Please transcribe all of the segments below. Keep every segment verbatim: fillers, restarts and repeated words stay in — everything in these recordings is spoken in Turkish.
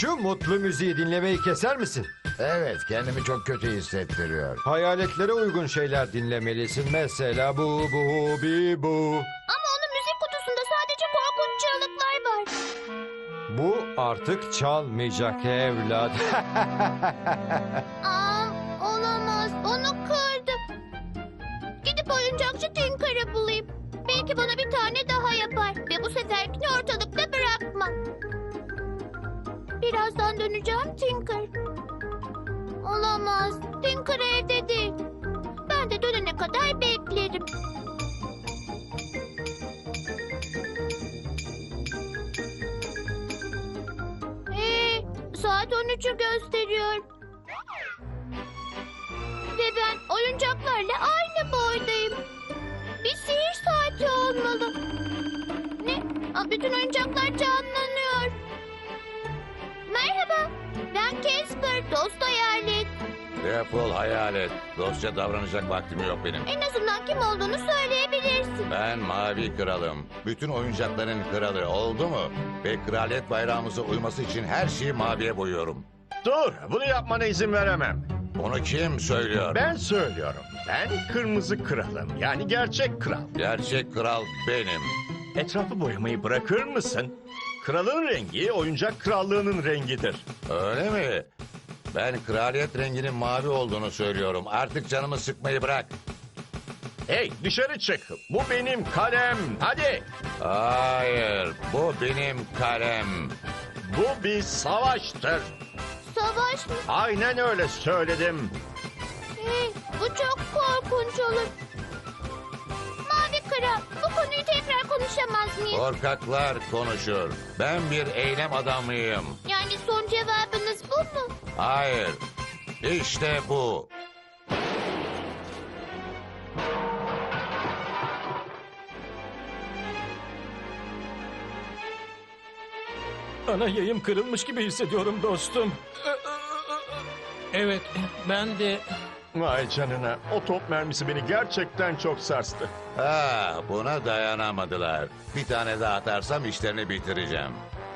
Şu mutlu müziği dinlemeyi keser misin? Evet, kendimi çok kötü hissettiriyor. Hayaletlere uygun şeyler dinlemelisin. Mesela bu bu bi bu. Ama onun müzik kutusunda sadece korkunç çığlıklar var. Bu artık çalmayacak evlat. Aa, olamaz. Onu kırdım. Gidip oyuncakçı Tinker'ı bulayım. Belki bana bir tane daha yapar. Ve bu seferkini ortalıkta bırakmam. Birazdan döneceğim Tinker. Olamaz. Tinker evde değil. Ben de dönene kadar beklerim. Hey, saat on üçü gösteriyor. Ve ben oyuncaklarla aynı boydayım. Bir sihir saati olmalı. Ne? Aa, bütün oyuncaklar canlanıyor. Merhaba. Ben Casper, dost hayalet. Defol hayalet. Dostça davranacak vaktim yok benim. En azından kim olduğunu söyleyebilirsin. Ben Mavi Kralım. Bütün oyuncakların kralı, oldu mu? Ve kraliyet bayrağımıza uyması için her şeyi maviye boyuyorum. Dur, bunu yapmana izin veremem. Onu kim söylüyor? Ben söylüyorum. Ben kırmızı kralım. Yani gerçek kral. Gerçek kral benim. Etrafı boyamayı bırakır mısın? Kralın rengi oyuncak krallığının rengidir. Öyle mi? Ben kraliyet renginin mavi olduğunu söylüyorum. Artık canımı sıkmayı bırak. Hey, dışarı çık. Bu benim kalem. Hadi. Hayır, bu benim kalem. Bu bir savaştır. Savaş mı? Aynen öyle söyledim. Hey, bu çok korkunç olur. Mavi Kral, bu konuyu tekrar konuşamaz mıyız? Korkaklar konuşur. Ben bir eylem adamıyım. Yani son cevabınız bu mu? Hayır, işte bu. Ana yayım kırılmış gibi hissediyorum dostum. Evet, ben de... Vay canına. O top mermisi beni gerçekten çok sarstı. Ha, buna dayanamadılar. Bir tane daha atarsam işlerini bitireceğim.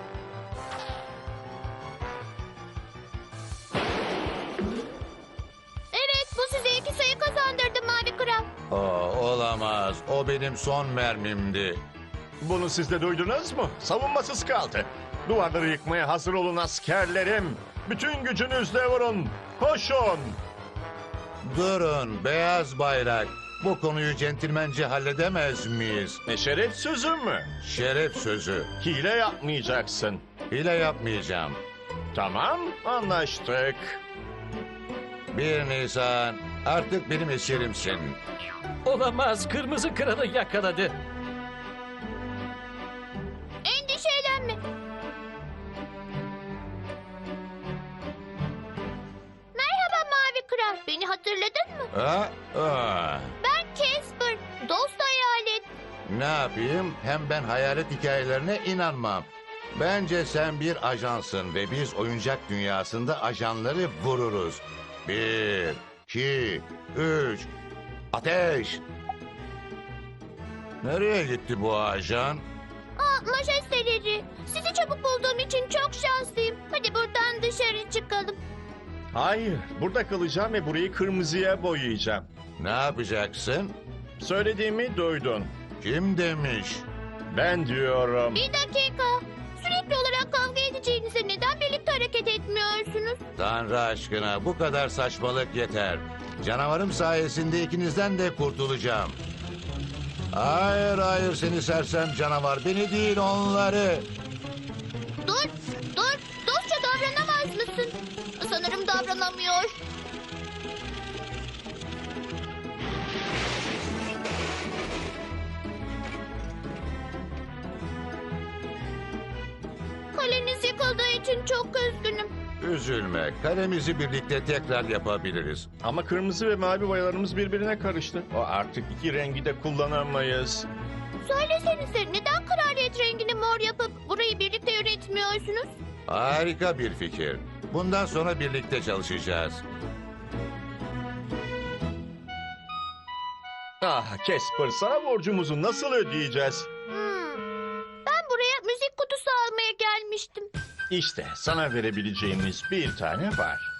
Evet, bu size iki sayı kazandırdı Mavi Kral. Oo, olamaz. O benim son mermimdi. Bunu siz de duydunuz mu? Savunmasız kaldı. Duvarları yıkmaya hazır olun askerlerim. Bütün gücünüzle vurun. Koşun. Durun, beyaz bayrak. Bu konuyu centilmence halledemez miyiz? Ne şeref sözü mü? Şeref sözü. Hile yapmayacaksın. Hile yapmayacağım. Tamam, anlaştık. Bir Nisan, artık benim eserimsin. Olamaz, kırmızı kralı yakaladı. Endişelenme. Merhaba Mavi Kral, beni hatırladın mı? Ha? Ha. Ben Casper, dost hayalet. Ne yapayım? Hem ben hayalet hikayelerine inanmam. Bence sen bir ajansın ve biz oyuncak dünyasında ajanları vururuz. Bir, iki, üç, ateş! Nereye gitti bu ajan? Aa, majesteleri, sizi çabuk bulduğum için çok şanslıyım. Hadi buradan dışarı çıkalım. Hayır, burada kalacağım ve burayı kırmızıya boyayacağım. Ne yapacaksın? Söylediğimi duydun. Kim demiş? Ben diyorum. Bir dakika. Sürekli olarak kavga edeceğinize neden birlikte hareket etmiyorsunuz? Tanrı aşkına bu kadar saçmalık yeter. Canavarım sayesinde ikinizden de kurtulacağım. Hayır hayır seni sersem canavar. Beni değil onları. Dur, dur. Dostça davranamaz mısın? Sanırım davranamıyor. Kaleniz yıkıldığı için çok üzgünüm. Üzülme. Kalemizi birlikte tekrar yapabiliriz. Ama kırmızı ve mavi boyalarımız birbirine karıştı. O artık iki rengi de kullanamayız. Söylesenize neden kraliyet rengini mor yapıp burayı birlikte yönetmiyorsunuz? Harika bir fikir. Bundan sonra birlikte çalışacağız. Ah Casper, sana borcumuzu nasıl ödeyeceğiz? Hmm. Ben buraya müzik kutusu almaya gelmiştim. İşte sana verebileceğimiz bir tane var.